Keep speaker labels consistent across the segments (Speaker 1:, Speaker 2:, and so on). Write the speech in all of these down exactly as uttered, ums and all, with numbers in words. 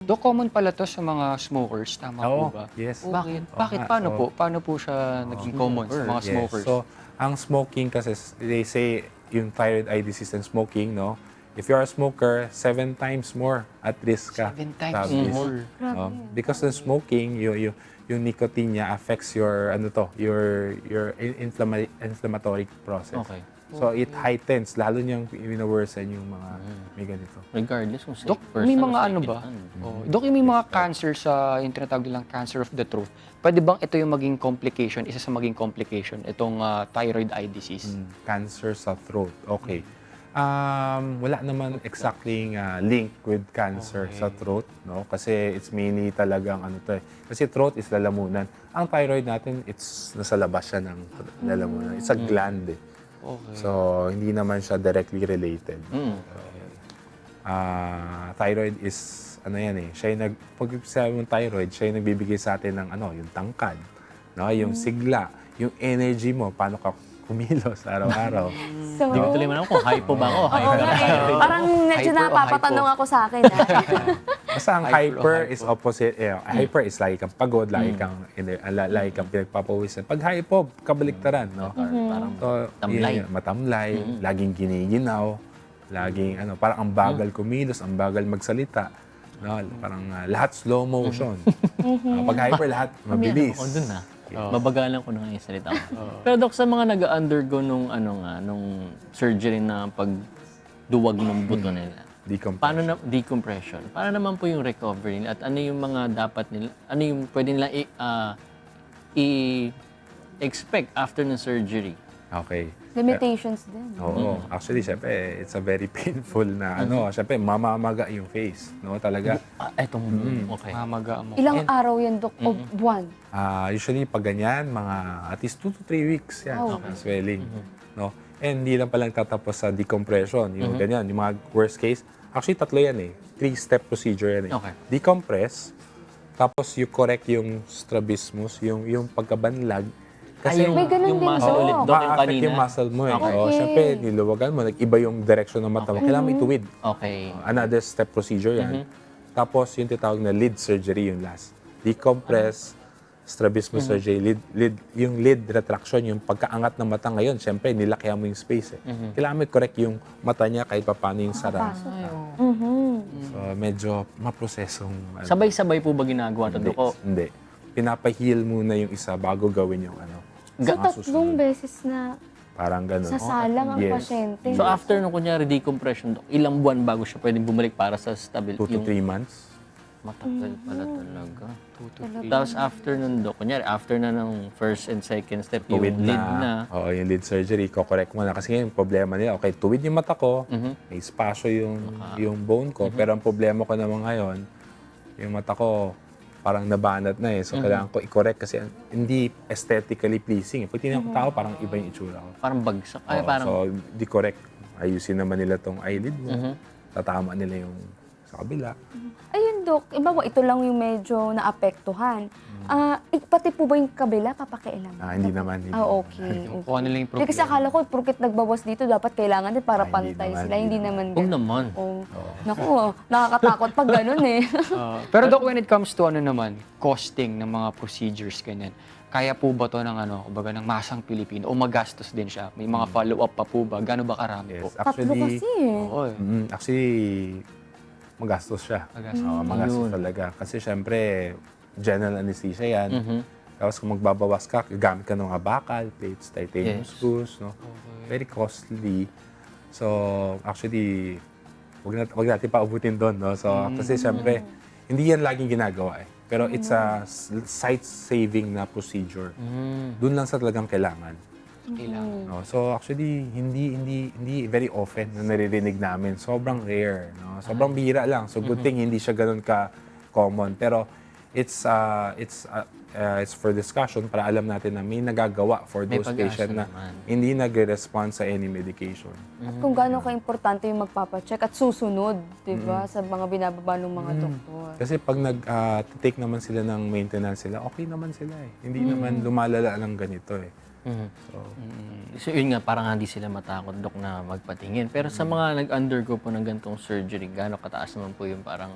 Speaker 1: Do common pala 'to sa mga smokers, tama po
Speaker 2: Oo,
Speaker 1: ba?
Speaker 2: yes.
Speaker 1: Bakit?
Speaker 2: Oo
Speaker 1: Bakit?
Speaker 2: nga.
Speaker 1: Paano
Speaker 2: So,
Speaker 1: po? Paano po siya naging common sa mga
Speaker 2: yes.
Speaker 1: smokers?
Speaker 2: So, ang smoking kasi, s- they say, yung thyroid eye disease and smoking, no? If you're a smoker, seven times more at risk ka.
Speaker 1: Seven times
Speaker 2: Sabi.
Speaker 1: more.
Speaker 2: Oh, because the smoking, yung, yung, yung nicotine niya affects your, ano to, your, your in- inflama- inflammatory process.
Speaker 3: Okay.
Speaker 2: So, it heightens, lalo niyang winaworsen yung mga may ganito.
Speaker 3: Regardless kung safe
Speaker 1: Dok,
Speaker 3: person
Speaker 1: may
Speaker 3: o
Speaker 1: mga
Speaker 3: second
Speaker 1: ano ba?
Speaker 3: hand.
Speaker 1: Oh, Dok, yung may mga cancer sa, yung tinatawag nilang cancer of the throat. Pwede bang ito yung maging complication, isa sa maging complication, itong ah, thyroid eye disease?
Speaker 2: Mm, cancer sa throat. Okay. Um, wala naman exactly uh, link with cancer sa throat, no? Kasi it's mainly talagang ano to eh. Kasi throat is lalamunan. Ang thyroid natin, it's nasa labas siya ng lalamunan. It's a gland eh.
Speaker 1: Okay.
Speaker 2: So, hindi naman siya directly related.
Speaker 3: Mm.
Speaker 2: Ah, thyroid is ano yan eh. Siya yung nag pag sabi mong thyroid, siya yung nagbibigay sa atin ng ano, yung tangkad, no, yung sigla, yung energy mo, paano ka kumilos araw-araw.
Speaker 4: So,
Speaker 3: Hindi ko tuloy man ako kung hypo ba ako.
Speaker 4: oo
Speaker 3: Hyper
Speaker 4: nga eh. Parang medyo
Speaker 1: Hyper o
Speaker 4: napapatanong
Speaker 1: hypo?
Speaker 4: ako sa akin. ah.
Speaker 2: Basta ang
Speaker 1: Hyper o
Speaker 2: hyper
Speaker 1: hypo?
Speaker 2: is opposite. Eh, hyper is lagi kang pagod, lagi kang, ine- ala- lagi kang pinagpapawisan. Pag hypo, kabaliktaran, no?
Speaker 3: Parang
Speaker 2: So,
Speaker 3: Tamlay.
Speaker 2: yun yun, matamlay, laging giniginaw, laging ano, parang ang bagal kumilos, ang bagal magsalita. No? Parang ah, lahat slow motion. Ah, pag hyper, lahat mabilis.
Speaker 3: ako dun ah. Mabagalan ko na nga yung salita ko. Pero Dok, sa mga nag-undergo nung ano nga, nung surgery na pagduwag ng buto nila,
Speaker 2: Decompression.
Speaker 3: paano na decompression? Paano naman po yung recovery nila? At ano yung mga dapat nila, ano yung pwede nila i, ah, i-expect after ng surgery?
Speaker 2: Okay.
Speaker 4: Limitations din.
Speaker 2: Oo. Actually, syempre, it's a very painful na ano. Syempre, mamamaga yung face. No? Talaga.
Speaker 3: Ah, etong, okay.
Speaker 1: Mamaga mo.
Speaker 4: Ilang araw yan, Dok? O buwan?
Speaker 2: Ah, usually, pag ganyan, mga at least two to three weeks yan.
Speaker 4: Oh.
Speaker 2: ang swelling. No? And hindi lang palang tatapos sa decompression. Yung ganyan, yung mga worst case. Actually, tatlo yan eh. Three-step procedure yan eh.
Speaker 3: Okay.
Speaker 2: Decompress, tapos you correct yung strabismus, yung, yung pagkabanlag.
Speaker 3: Kasi yung,
Speaker 4: May ganun
Speaker 3: yung
Speaker 4: din,
Speaker 3: muscle
Speaker 4: Dok.
Speaker 3: ulit, Dok, yung
Speaker 2: ma-affect
Speaker 3: kanina.
Speaker 2: yung muscle mo eh.
Speaker 3: Okay.
Speaker 2: Oo, syempre, niluwagan mo, nag-iba yung direction ng mata mo. Kailangan mo ituwid.
Speaker 3: Okay.
Speaker 2: Another step procedure yan. Tapos yung tinatawag na lid surgery yung last. Decompress, strabismus surgery, lid, lid, yung lid retraction, yung pagkaangat ng mata ngayon, syempre nilakya mo yung space eh. Kailangan mo i-correct yung mata niya kahit paano yung sara.
Speaker 4: Mhm.
Speaker 2: So medyo maprosesong ano.
Speaker 3: Sabay-sabay po ba ginagawa ito,
Speaker 2: Hindi,
Speaker 3: Dok? O,
Speaker 2: hindi. Pinapahil muna yung isa bago gawin yung ano.
Speaker 4: So,
Speaker 2: Mga
Speaker 4: tatlong
Speaker 2: susunod.
Speaker 4: beses na
Speaker 2: Parang ganun.
Speaker 4: sasalang ang
Speaker 2: Yes.
Speaker 4: pasyente.
Speaker 3: So after nung kunyari decompression, Dok, ilang buwan bago siya pwedeng bumalik para sa stabil?
Speaker 2: Two to
Speaker 3: yung
Speaker 2: three months.
Speaker 3: matagal pala talaga.
Speaker 1: Two to three.
Speaker 3: Tapos after nun, Dok, kunyari after na ng first and second step, yung
Speaker 2: Tuwid
Speaker 3: lid
Speaker 2: na.
Speaker 3: na.
Speaker 2: Oo, yung lid surgery, ko-correct mo na. Kasi ngayon, problema nila, okay, tuwid yung mata ko,
Speaker 3: Mhm.
Speaker 2: may espasyo yung, yung bone ko, pero ang problema ko naman ngayon, yung mata ko, parang nabanat na eh. So, kailangan ko i-correct kasi hindi aesthetically pleasing. Pag tinignan ko tao, parang iba yung itsura ko.
Speaker 3: Parang bagsak. Ay,
Speaker 2: Oo,
Speaker 3: parang,
Speaker 2: So, di-correct. Ayusin naman nila tong eyelid mo. Tatama nila yung sa kabila.
Speaker 4: Ayun, Dok. Iba mo, ito lang yung medyo naapektuhan. Ah, ik- pati po ba yung kabila, papakialam?
Speaker 2: Ah, hindi naman. Hindi
Speaker 4: Ah,
Speaker 2: naman.
Speaker 4: okay. okay.
Speaker 1: Kung ano lang yung
Speaker 4: Hindi kasi
Speaker 1: problema.
Speaker 4: akala ko, purkit nagbawas dito, dapat kailangan din para
Speaker 2: Ah, hindi
Speaker 4: pantay
Speaker 2: naman,
Speaker 4: sila.
Speaker 2: hindi
Speaker 4: Hindi naman
Speaker 3: huwag
Speaker 4: ganun.
Speaker 3: naman.
Speaker 4: Oh. Naku, nakakatakot pag ganun eh.
Speaker 1: Ah, pero Doc, when it comes to ano naman, costing ng mga procedures, ganyan, kaya po ba to ng ano, kumbaga ng masang Pilipino o magastos din siya? May mga follow-up pa po ba? Gano'n ba karami po?
Speaker 2: Yes,
Speaker 4: Tatlo
Speaker 2: actually,
Speaker 4: kasi eh.
Speaker 1: Oo eh.
Speaker 2: mm, actually, magastos siya.
Speaker 1: Magastos.
Speaker 2: Oo, magastos
Speaker 3: Yun.
Speaker 2: talaga. Kasi syempre, general anesthesia yan.
Speaker 3: Mhm.
Speaker 2: Tapos kung magbabawas ka, gagamit ka ng mga bakal, plates, titanium
Speaker 3: Yes.
Speaker 2: screws, no? Very costly. So, actually, wag, nat wag natin paubutin doon, no? So, kasi syempre, hindi yan laging ginagawa eh. Pero it's a s- site-saving na procedure.
Speaker 3: Mm.
Speaker 2: Doon lang sa talagang kailangan.
Speaker 1: Kailangan.
Speaker 2: No? So actually hindi hindi hindi very often na naririnig namin. Sobrang rare, no? Sobrang bihira lang. So good thing hindi siya ganoon ka common. Pero it's uh, it's uh, uh, it's for discussion para alam natin na may nagagawa for
Speaker 3: May
Speaker 2: those
Speaker 3: pag-asa
Speaker 2: patients na
Speaker 3: naman.
Speaker 2: hindi nagre-respond sa any medication.
Speaker 4: At kung gaano ka-importante yung magpapacheck at susunod, di ba, sa mga binababa ng mga doktor.
Speaker 2: Kasi pag nag-take naman sila ng maintenance sila, okay naman sila eh. Hindi naman lumalala ng ganito eh.
Speaker 3: Mhm.
Speaker 2: So,
Speaker 3: So yun nga, parang hindi sila matakot, Dok, na magpatingin. Pero sa mga nag-undergo po ng gantong surgery, gaano kataas naman po yung parang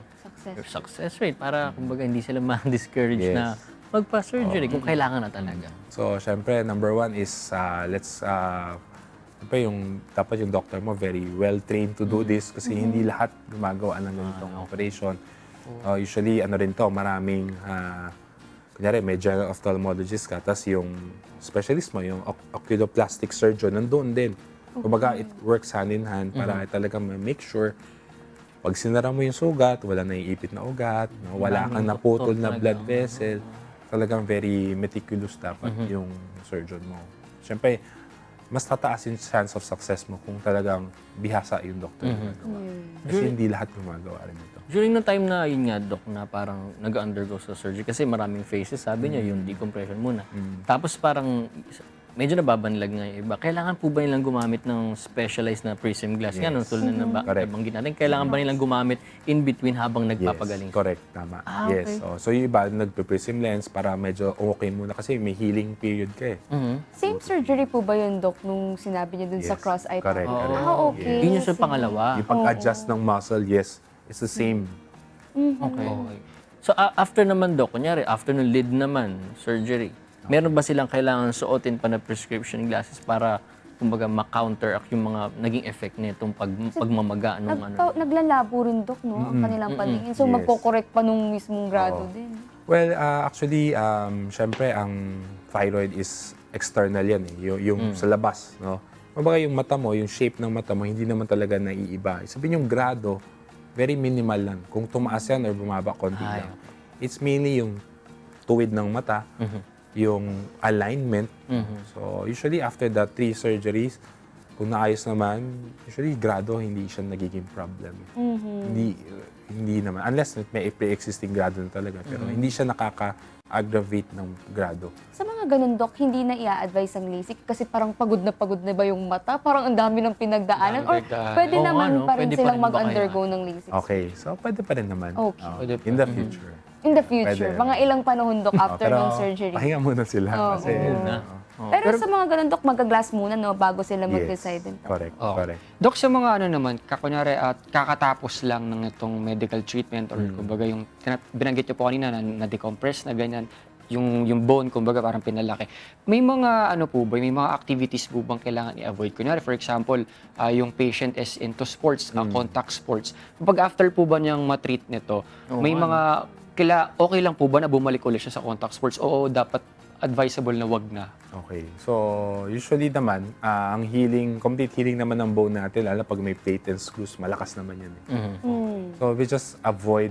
Speaker 4: Success.
Speaker 3: your success rate para kumbaga hindi sila ma-discourage
Speaker 2: Yes.
Speaker 3: na magpa-surgery kung kailangan na talaga.
Speaker 2: So, syempre, number one is, uh, let's, uh, syempre, yung, dapat yung doctor mo very well-trained to do this kasi hindi lahat gumagawa ng ganitong operation. Uh, usually, ano rin to, maraming, uh, kunyari, may general ophthalmologist ka, tapos yung specialist mo, yung oc- oculoplastic surgeon, nandun din. Kumbaga, it works hand in hand para talaga ma-make sure pag sinara mo yung sugat, wala na iipit na ugat, no? Wala kang naputol na blood vessel. Talagang very meticulous dapat yung surgeon mo. Siyempre, mas tataas yung chance of success mo kung talagang bihasa yung doctor na gumagawa. Kasi hindi lahat gumagawa rin ito.
Speaker 3: During the time na yun nga, Doc, na parang nag-undergo sa surgery, kasi maraming phases, sabi niya, yung decompression muna. Tapos parang medyo nababanlag nga yung iba. Kailangan po ba nilang gumamit ng specialized na prism glass? Nga, nung tulad na ba,
Speaker 2: Correct.
Speaker 3: nabanggit natin, kailangan ba nilang gumamit in between habang nagpapagaling?
Speaker 2: Yes, correct. Tama.
Speaker 4: Ah,
Speaker 2: Yes.
Speaker 4: okay.
Speaker 2: Oh, so yung iba, nagpe-prism lens para medyo okay muna kasi may healing period ka eh.
Speaker 3: Mhm.
Speaker 4: Same surgery po ba yun, Doc, nung sinabi niyo dun sa
Speaker 2: Yes.
Speaker 4: cross-eye?
Speaker 2: Correct,
Speaker 4: tunnel?
Speaker 2: correct.
Speaker 4: Ah, okay.
Speaker 3: Yun yung sa
Speaker 4: Sige.
Speaker 3: pangalawa.
Speaker 2: Yung pag-adjust ng muscle, yes, it's the same.
Speaker 3: Okay. So a- after naman, Doc, kunyari, after ng lid naman, surgery, meron ba silang kailangan suotin pa na prescription glasses para kumbaga ma-counteract yung mga naging effect nitong pag, pagmamaga nung ano?
Speaker 4: Nagpa- naglalabo rin, Doc, no? Ang kanilang paningin. So,
Speaker 2: Yes.
Speaker 4: magkokorek pa nung mismong grado din.
Speaker 2: Well, uh, actually, um, syempre, ang thyroid is external yan eh, yung, yung sa labas, no? Kumbaga yung mata mo, yung shape ng mata mo, hindi naman talaga naiiba. Sabihin yung grado, very minimal lang. Kung tumaas yan or bumaba, konti
Speaker 3: Ay,
Speaker 2: lang. It's mainly yung tuwid ng mata, yung alignment. So, usually after the three surgeries, kung naayos naman, usually grado, hindi siya nagiging problem. Hindi, hindi naman. Unless may pre-existing grado na talaga. Pero hindi siya nakaka-aggravate ng grado.
Speaker 4: Sa mga ganun, Doc, hindi na i-advise ang LASIK kasi parang pagod na pagod na ba yung mata? Parang ang dami ng pinagdaanan? Or
Speaker 1: Daming pinagdaanan.
Speaker 4: pwede
Speaker 3: Oo nga,
Speaker 4: naman
Speaker 3: no?
Speaker 4: pa rin
Speaker 3: Pwede pa
Speaker 4: silang
Speaker 3: rin ba
Speaker 4: mag-undergo ng LASIK?
Speaker 2: Okay. So, pwede pa rin naman.
Speaker 4: Okay.
Speaker 2: Oh,
Speaker 1: Pwede pa.
Speaker 2: in the future.
Speaker 4: In the future,
Speaker 2: Pwede.
Speaker 4: mga ilang panahon, Doc, after
Speaker 2: Pero,
Speaker 4: ng surgery.
Speaker 2: pahinga muna sila.
Speaker 4: Oo.
Speaker 2: kasi,
Speaker 3: Na.
Speaker 2: Oo.
Speaker 4: Pero, sa mga ganun, Doc, mag-glass muna, no? Bago sila mag-decide. din.
Speaker 2: Correct.
Speaker 1: Oo.
Speaker 2: Correct.
Speaker 1: Dok, sa mga ano naman, kakunyari at kakatapos lang ng itong medical treatment or kumbaga yung tina- binanggit niyo po kanina na na-decompress na ganyan, yung yung bone kumbaga parang pinalaki. May mga ano po ba, may mga activities po bang kailangan i-avoid? Kunyari for example, ah, yung patient is into sports, ah, contact sports. Kapag after po ba niyang ma-treat nito, may mga kila okay lang po ba na bumalik ulit siya sa contact sports o dapat advisable na wag na?
Speaker 2: Okay. So, usually naman, ah, ang healing, complete healing naman ng bone natin, lalo pag may plate and screws, malakas naman yan. Eh.
Speaker 4: Hmm.
Speaker 2: So, we just avoid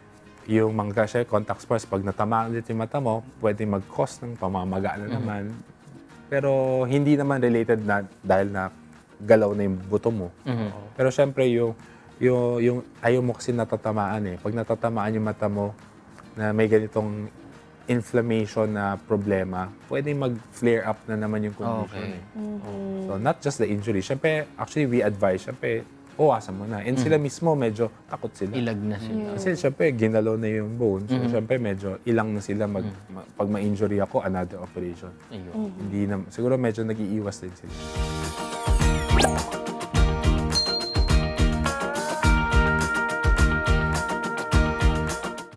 Speaker 2: yung mga kasi contact sports. Pag natamaan ulit yung mata mo, pwede mag-cause ng pamamaga na naman. Pero hindi naman related na dahil na galaw na yung buto mo. Pero syempre, yung, yung, yung ayaw mo kasi natatamaan eh. Pag natatamaan yung mata mo na may ganitong inflammation na problema, pwede mag-flare up na naman yung condition.
Speaker 1: Okay.
Speaker 2: Eh. So, not just the injury. Siyempre, actually, we advise, siyempre, uwasan mo na. And sila mismo, medyo takot sila.
Speaker 3: Ilag na sila.
Speaker 2: Kasi siyempre, ginalaw na yung bone. So, siyempre, medyo ilang na sila. Mag, ma- pag ma-injury ako, another operation.
Speaker 3: Ayun.
Speaker 2: Hindi na, siguro medyo nag-iiwas din sila.